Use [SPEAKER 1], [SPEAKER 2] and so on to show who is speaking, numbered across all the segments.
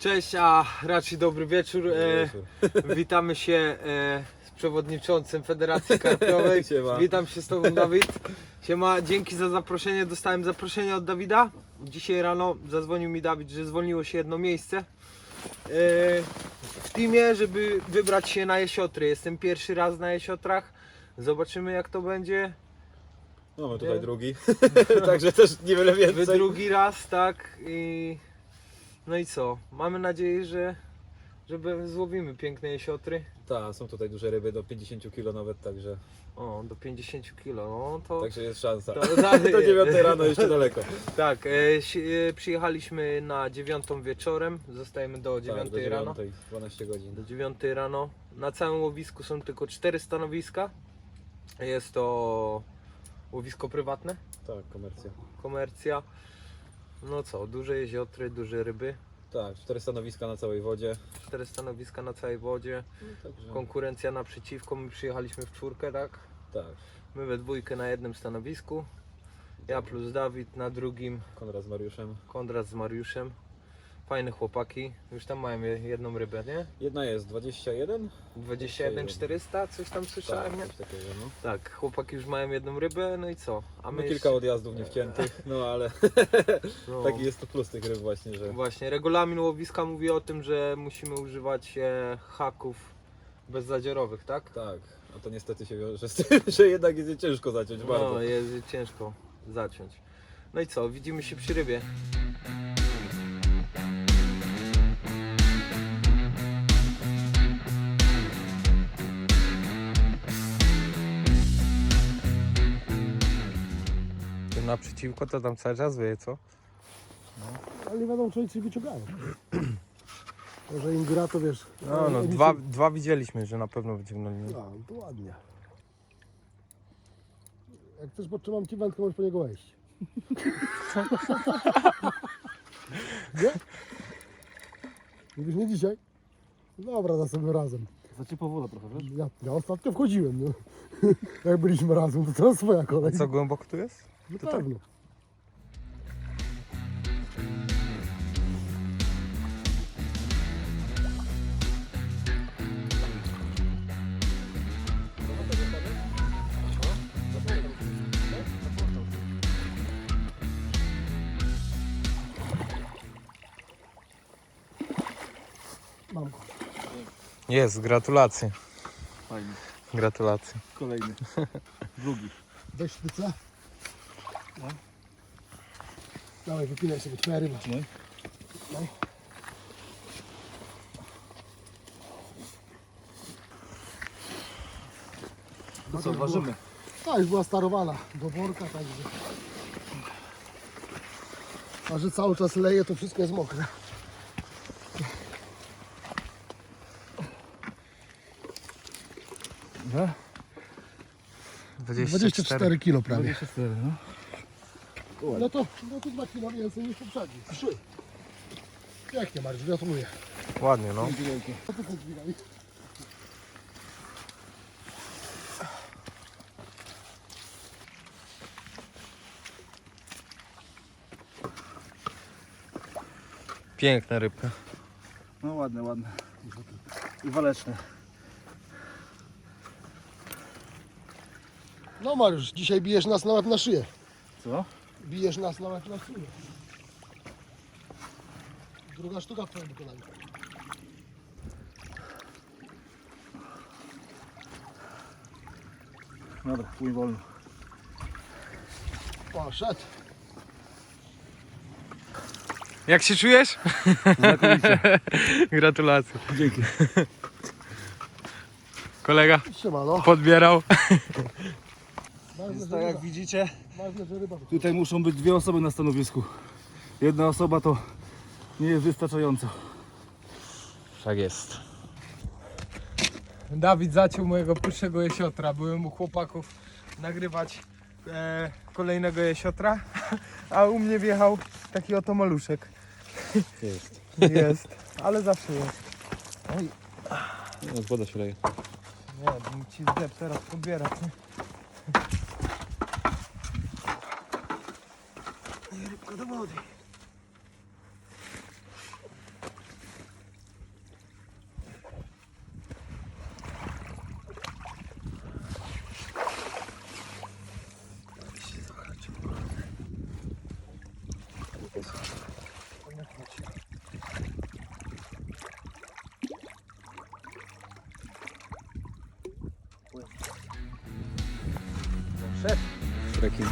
[SPEAKER 1] Cześć, a raczej dobry wieczór. Witamy się z przewodniczącym Federacji Karpiowej.
[SPEAKER 2] Siema.
[SPEAKER 1] Witam się z Tobą, Dawid. Siema, dzięki za zaproszenie. Dostałem zaproszenie od Dawida. Dzisiaj rano zadzwonił mi Dawid, że zwolniło się jedno miejsce w teamie, żeby wybrać się na jesiotry. Jestem pierwszy raz na jesiotrach. Zobaczymy, jak to będzie.
[SPEAKER 2] No my tutaj drugi, także też niewiele
[SPEAKER 1] Wy
[SPEAKER 2] więcej.
[SPEAKER 1] drugi raz, tak. No i co? Mamy nadzieję, że złowimy piękne jesiotry.
[SPEAKER 2] Tak, są tutaj duże ryby do 50 kg nawet, także,
[SPEAKER 1] O, do 50 kg, no to...
[SPEAKER 2] także jest szansa.
[SPEAKER 1] to dalej
[SPEAKER 2] Do
[SPEAKER 1] jest.
[SPEAKER 2] 9 rano jeszcze daleko.
[SPEAKER 1] Tak, przyjechaliśmy na 9 wieczorem, zostajemy do 9
[SPEAKER 2] Tak, do
[SPEAKER 1] rano.
[SPEAKER 2] 9, 12 godzin.
[SPEAKER 1] Do 9 rano. Na całym łowisku są tylko 4 stanowiska. Jest to łowisko prywatne,
[SPEAKER 2] Tak, komercja.
[SPEAKER 1] komercja. No co, duże jeziotry, duże ryby.
[SPEAKER 2] Tak, 4 stanowiska na całej wodzie.
[SPEAKER 1] 4 stanowiska na całej wodzie.
[SPEAKER 2] Także,
[SPEAKER 1] Konkurencja naprzeciwko, my przyjechaliśmy w czwórkę, tak?
[SPEAKER 2] tak,
[SPEAKER 1] My we dwójkę na jednym stanowisku. Ja plus Dawid na drugim,
[SPEAKER 2] Konrad z Mariuszem.
[SPEAKER 1] Konrad z Mariuszem. Fajne chłopaki, już tam mają jedną rybę, nie?
[SPEAKER 2] Jedna jest 21.
[SPEAKER 1] 21 400, coś tam słyszałem, nie?
[SPEAKER 2] Coś takiego, no.
[SPEAKER 1] Tak, chłopaki już mają jedną rybę, no i co? A
[SPEAKER 2] No,
[SPEAKER 1] my
[SPEAKER 2] kilka odjazdów niewciętych, no ale
[SPEAKER 1] no,
[SPEAKER 2] taki jest to plus tych ryb właśnie, że
[SPEAKER 1] właśnie, regulamin łowiska mówi o tym, że musimy używać haków bezzadziorowych, tak?
[SPEAKER 2] tak, a to niestety się wiąże z tym, że jednak jest je ciężko zaciąć bardzo.
[SPEAKER 1] No, jest ciężko zaciąć. No i co, widzimy się przy rybie. Tu naprzeciwko to tam cały czas wyje, co?
[SPEAKER 3] Ale nie wiadomo, czy oni coś wyciągają. Może im gra, to wiesz...
[SPEAKER 1] No, dwa widzieliśmy, że na pewno wyciągnęli.
[SPEAKER 3] A, to ładnie. Jak chcesz, podtrzymam ci wędkę, możesz po niego wejść. Nie? Mówisz, nie dzisiaj? Dobra, następnym razem.
[SPEAKER 2] Znaczy powolę trochę, wiesz?
[SPEAKER 3] Ja ostatnio wchodziłem, no. Jak byliśmy razem, to teraz twoja kolej.
[SPEAKER 1] Co głęboko tu jest?
[SPEAKER 3] No
[SPEAKER 1] to tak?
[SPEAKER 3] pewno. Mam go.
[SPEAKER 1] Jest, gratulacje.
[SPEAKER 2] Fajnie.
[SPEAKER 1] Gratulacje.
[SPEAKER 2] Kolejny. Drugi.
[SPEAKER 3] Weź sztycę. No. Dawaj, wypinaj sobie twoja ryba. No.
[SPEAKER 2] To co, ważymy?
[SPEAKER 3] Tak, już była starowana do worka, także. A że cały czas leje, to wszystko jest mokre.
[SPEAKER 2] No.
[SPEAKER 3] 24 kg prawie.
[SPEAKER 2] 24, no.
[SPEAKER 3] No to 2 kg więcej niż poprzedni. 3. Pięknie, Mariusz, gratuluję.
[SPEAKER 1] Ładnie, no.
[SPEAKER 3] Co ty dźwigami?
[SPEAKER 1] Piękna rybka.
[SPEAKER 2] No ładne, ładne. I waleczne.
[SPEAKER 3] No Mariusz, dzisiaj bijesz nas na łeb na szyję.
[SPEAKER 2] Co?
[SPEAKER 3] Bijesz nas na łeb na szyję. Druga sztuka w twoim wykonaniu.
[SPEAKER 2] Dobra, płyń wolno.
[SPEAKER 3] Poszedł.
[SPEAKER 1] Jak się czujesz?
[SPEAKER 2] Znakomicie.
[SPEAKER 1] Gratulacje.
[SPEAKER 2] Dzięki.
[SPEAKER 3] Siemano.
[SPEAKER 1] Podbierał.
[SPEAKER 3] Ważne, że
[SPEAKER 2] Tak jak
[SPEAKER 3] ryba.
[SPEAKER 2] widzicie,
[SPEAKER 3] Ważne, że ryba.
[SPEAKER 2] tutaj muszą być 2 osoby na stanowisku. Jedna osoba to nie jest wystarczająco.
[SPEAKER 1] Tak jest. Dawid zaciął mojego pierwszego jesiotra. Byłem u chłopaków nagrywać kolejnego jesiotra, a u mnie wjechał taki oto maluszek.
[SPEAKER 2] Jest.
[SPEAKER 1] Jest, ale zawsze jest. Oj,
[SPEAKER 2] No, woda się leje.
[SPEAKER 1] nie, ci zdep teraz podbierać. Nie, rybka do wody. rekin.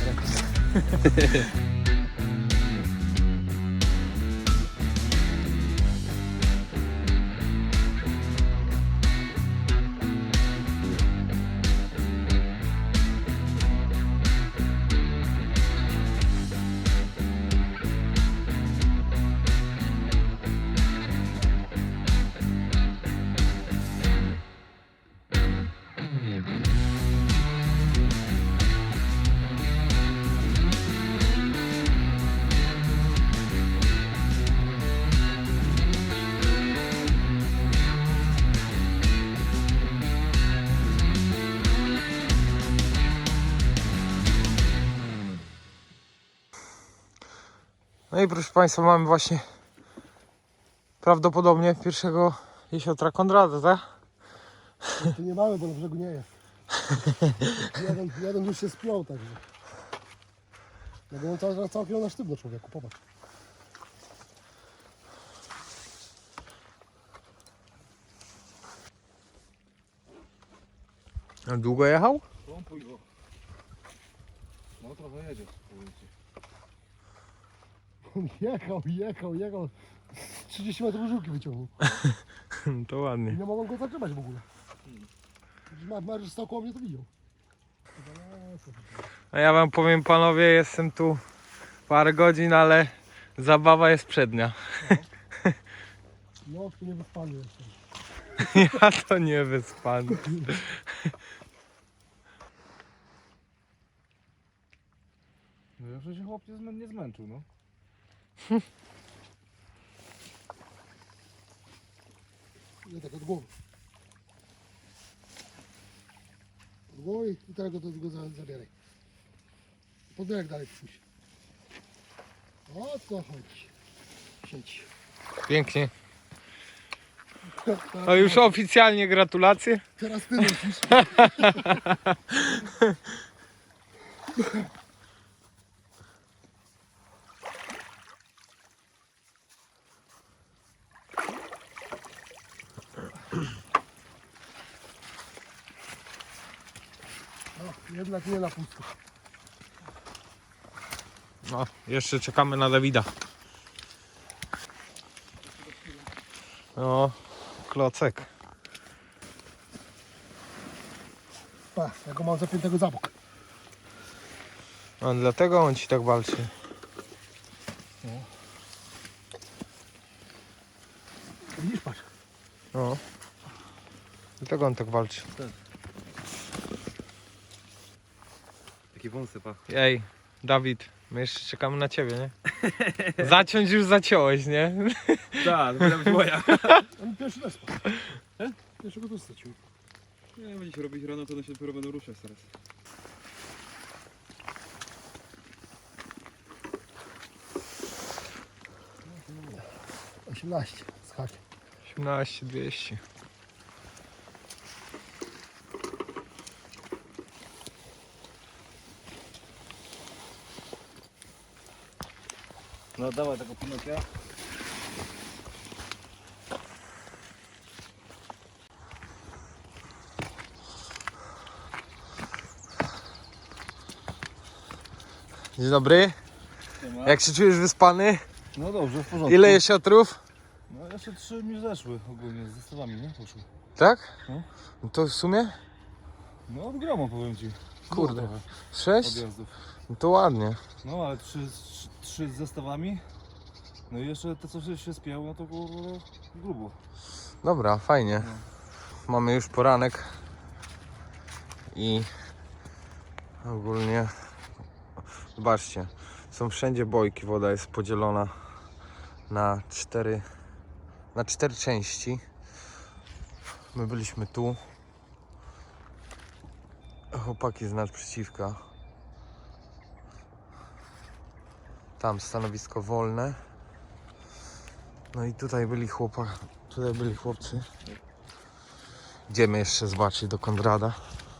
[SPEAKER 1] No i proszę Państwa, mamy właśnie prawdopodobnie pierwszego jesiotra Konrada, tak?
[SPEAKER 3] Tu nie mamy, bo na brzegu nie jest. Jeden już się spiął, także. Ja byłem całkiem na sztywno, człowieku, popatrz.
[SPEAKER 1] A długo jechał?
[SPEAKER 2] Pompuj go. No trochę jedzie, powiem ci.
[SPEAKER 3] On jechał. 30 metrów żółki wyciągnął.
[SPEAKER 1] To ładnie.
[SPEAKER 3] Nie mogą go zatrzymać w ogóle. Mariusz stał koło mnie, to widział.
[SPEAKER 1] A ja wam powiem, panowie, jestem tu parę godzin, ale zabawa jest przednia.
[SPEAKER 3] No, tu nie wyspany jestem.
[SPEAKER 1] Ja to nie wyspany.
[SPEAKER 2] No jeszcze się chłop nie zmęczył, no.
[SPEAKER 3] Nie tak od głowy. Od głowy i teraz go zabieraj. Podbierek dalej puść. O co chodzi? Siedź.
[SPEAKER 1] Pięknie. No już oficjalnie gratulacje.
[SPEAKER 3] Teraz ty lecisz. No, jednak nie na pusto.
[SPEAKER 1] No, jeszcze czekamy na Dawida. No, klocek.
[SPEAKER 3] Pa, ja go mam zapiętego za bok.
[SPEAKER 1] A dlatego on ci tak walczy.
[SPEAKER 3] Widzisz, patrz.
[SPEAKER 1] No. Dlatego on tak walczy.
[SPEAKER 2] Takie wąsy, pa.
[SPEAKER 1] Ej, Dawid, my jeszcze czekamy na ciebie, nie? Zaciąć już zaciąłeś, nie?
[SPEAKER 2] Tak, to będzie moja.
[SPEAKER 3] On pierwszy też spadł. Pierwszego też stracił.
[SPEAKER 2] Nie, będzie się robić rano, to one się dopiero będą ruszać teraz.
[SPEAKER 3] No, 18 z hakiem.
[SPEAKER 1] 18 200.
[SPEAKER 2] No dawaj tego Pinokia.
[SPEAKER 1] Dzień dobry. Jak się czujesz wyspany?
[SPEAKER 2] No dobrze, w porządku.
[SPEAKER 1] Ile jesiotrów?
[SPEAKER 2] No jeszcze 3 mi zeszły ogólnie, z zestawami, nie? Poszły.
[SPEAKER 1] Tak?
[SPEAKER 2] No.
[SPEAKER 1] No to w sumie?
[SPEAKER 2] No od gromu powiem ci.
[SPEAKER 1] Kurde.
[SPEAKER 2] Było trochę
[SPEAKER 1] 6?
[SPEAKER 2] odjazdów.
[SPEAKER 1] No to ładnie.
[SPEAKER 2] No ale 3 z zestawami. No i jeszcze te co się spięło, no to było grubo.
[SPEAKER 1] Dobra, fajnie. Mamy już poranek. I ogólnie zobaczcie, są wszędzie bojki, woda jest podzielona na 4 części. My byliśmy tu, chłopaki z naprzeciwka, tam stanowisko wolne, no i tutaj byli chłopcy. Idziemy jeszcze zobaczyć do Konrada.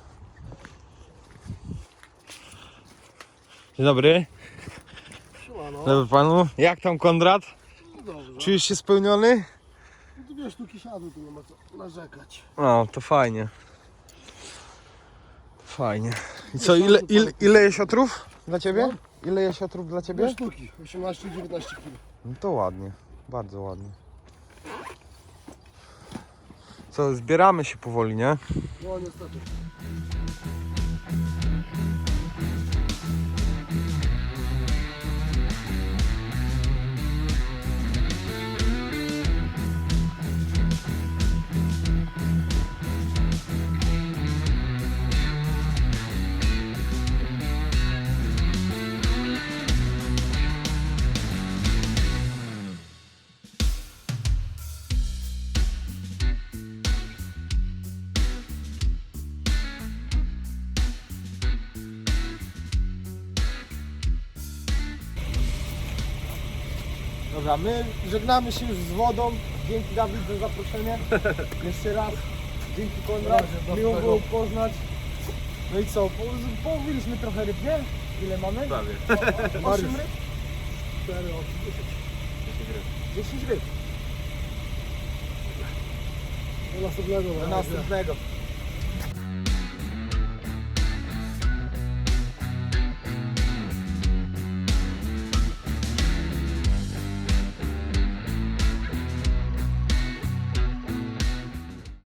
[SPEAKER 1] Dzień dobry.
[SPEAKER 3] Siemano.
[SPEAKER 1] Dobry panu. Jak tam Konrad?
[SPEAKER 3] No dobrze.
[SPEAKER 1] Czujesz się spełniony?
[SPEAKER 3] No tu 2 sztuki siadły, tu nie ma co narzekać.
[SPEAKER 1] No, to fajnie. Fajnie. I co, ile jesiotrów dla ciebie? Ile jesiotrów dla ciebie?
[SPEAKER 3] 2 sztuki, 18 i 19 kg.
[SPEAKER 1] No to ładnie, bardzo ładnie. Co, zbieramy się powoli, nie?
[SPEAKER 3] No niestety.
[SPEAKER 1] Dobra, my żegnamy się już z wodą. Dzięki Dawid za zaproszenie. Jeszcze raz. Dzięki Konrad. Miło było poznać. No i co? Połowiliśmy trochę ryb, nie? Ile mamy?
[SPEAKER 2] Prawie.
[SPEAKER 1] 8 ryb?
[SPEAKER 3] 4,
[SPEAKER 1] 10 ryb.
[SPEAKER 3] do następnego.
[SPEAKER 1] Do następnego.